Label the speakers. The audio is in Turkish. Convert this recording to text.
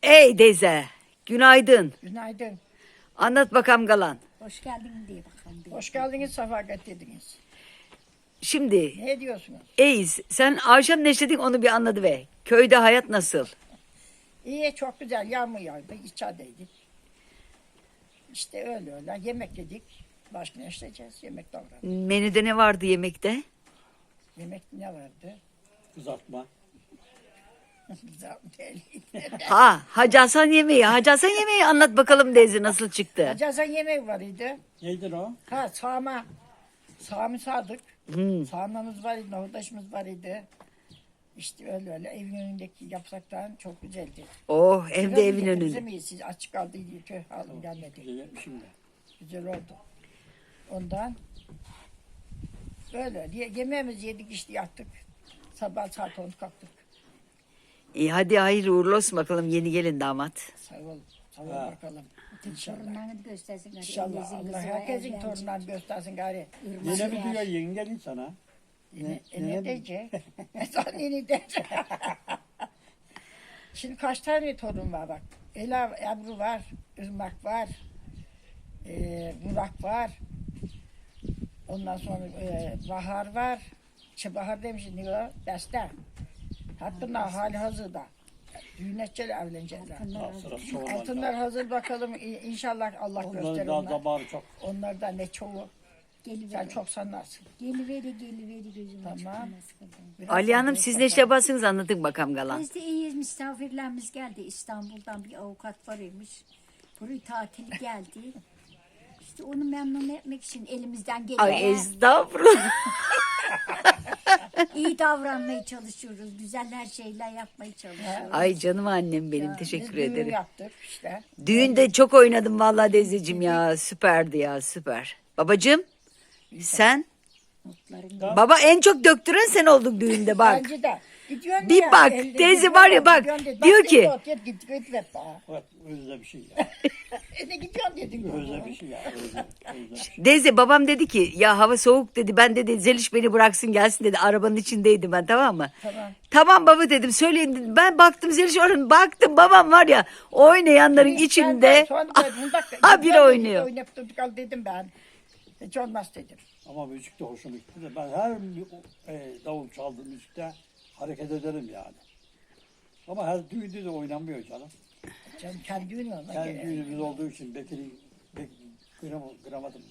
Speaker 1: Ey teyze, günaydın.
Speaker 2: Günaydın.
Speaker 1: Anlat bakalım Galan.
Speaker 3: Hoş geldin diye bakalım.
Speaker 2: Hoş geldiniz, sefa getirdiniz.
Speaker 1: Şimdi,
Speaker 2: Ne diyorsunuz?
Speaker 1: Eyiz, sen akşam ne işledin onu bir anladı ve. Köyde hayat nasıl?
Speaker 2: İyi, çok güzel. Yağmur yağdı, içerideydik. İşte öyle. Yemek yedik. Başka ne işleyeceğiz? Yemek davrandık.
Speaker 1: Menüde ne vardı yemekte?
Speaker 2: Yemek ne vardı?
Speaker 4: Kızartma.
Speaker 2: Güzel değil.
Speaker 1: Ha, Hacı Hasan yemeği. Hacı Hasan yemeği anlat bakalım teyze nasıl çıktı?
Speaker 2: Acazan yemek var idi.
Speaker 4: Neydir o?
Speaker 2: Ha, sağma. Sağımı sardık.
Speaker 1: Hmm.
Speaker 2: Sağmamız var idi, nohutaşımız var idi. İşte öyle. Evin önündeki yapsaktan çok güzeldi.
Speaker 1: Oh, evde
Speaker 2: Biraz
Speaker 1: evin
Speaker 2: bize
Speaker 1: önünde.
Speaker 2: mi siz açık kaldıydı, tüh alım gelmedi.
Speaker 4: Güzel yapmışım da.
Speaker 2: Güzel oldu. Ondan böyle yemeğimizi yedik işte yattık. Sabah saat 10 kalktık.
Speaker 1: İyi hadi hayırlı uğurlu olsun bakalım yeni gelin damat.
Speaker 2: Sağ ol. Sağ ol
Speaker 4: Ha.
Speaker 2: bakalım. İnşallah.
Speaker 3: Torunlarını göstersin. Hadi.
Speaker 2: İnşallah.
Speaker 3: Elinizin
Speaker 2: Allah
Speaker 3: kızı var,
Speaker 2: herkesin
Speaker 3: evlenecek.
Speaker 2: torunlarını göstersin gari.
Speaker 4: Yine mi diyor yengelin sana?
Speaker 2: Ne diyecek? Sen ne diyecek? Şimdi kaç tane torun var bak. Ela, Ebru var. Irmak var. Burak var. Ondan sonra Bahar var. Bahar demişim ne o? Beste. Hatta hali hazırda. Düğün edecekler, evlenecekler.
Speaker 4: Sırası olmaz.
Speaker 2: Altınlar hazır bakalım. İnşallah Allah gösterir
Speaker 4: Onların daha
Speaker 2: onlar.
Speaker 4: zamanı çok.
Speaker 2: Onlar da ne çoğu. Sen
Speaker 3: Geliveri.
Speaker 2: çok sanarsın.
Speaker 3: Geliveri gözüm
Speaker 2: Tamam.
Speaker 3: tamam.
Speaker 2: Biraz
Speaker 1: Ali Hanım
Speaker 2: daha
Speaker 1: siz ne
Speaker 2: bakalım.
Speaker 1: iş yaparsınız anlatın bakalım Galan.
Speaker 3: Biz de iyiyiz, misafirlerimiz geldi. İstanbul'dan bir avukat var imiş. Buraya tatili geldi. İşte onu memnun etmek için elimizden
Speaker 1: Ay
Speaker 3: gelen
Speaker 1: estağfurullah.
Speaker 3: iyi davranmaya çalışıyoruz. Güzel her şeyler yapmaya çalışıyoruz.
Speaker 1: Ay canım annem benim
Speaker 2: Biz
Speaker 1: teşekkür
Speaker 2: düğün
Speaker 1: ederim.
Speaker 2: yaptık işte.
Speaker 1: Düğünde çok oynadım vallahi teyzeciğim ya süperdi ya süper. Babacığım sen?
Speaker 3: Mutların
Speaker 1: Baba en çok döktüren sen oldun düğünde bak.
Speaker 2: Bence de. Gidiyorsun
Speaker 1: Bir
Speaker 2: ya,
Speaker 1: bak,
Speaker 2: elde
Speaker 1: teyze
Speaker 2: gidiyorsun,
Speaker 1: var ya bak,
Speaker 2: gidiyorsun dedi.
Speaker 1: diyor
Speaker 2: Bak,
Speaker 1: ki-
Speaker 2: Git ver bana.
Speaker 4: Evet, özde bir şey ya.
Speaker 2: Ne gidiyorsun dedin.
Speaker 4: Özde bir şey ya. Özde bir şey.
Speaker 1: Teyze babam dedi ki ya hava soğuk dedi ben dedi Zeliş beni bıraksın gelsin dedi arabanın içindeydim ben tamam mı?
Speaker 2: Tamam.
Speaker 1: Tamam baba dedim söyleyin dedim. Ben baktım Zeliş oranın baktım babam var ya oynayanların içinde habire oynuyor.
Speaker 2: Oynayıp durduk al dedim ben. Hiç olmaz dedim.
Speaker 4: Ama müzik de hoşuma gitti de ben her davul çaldığım müzikte hareket ederim yani. Ama her düğünde de oynanmıyor canım.
Speaker 2: Canım kendi düğünü ona
Speaker 4: Kendi
Speaker 2: göre.
Speaker 4: düğünümüz olduğu için Bekir'i kıramadım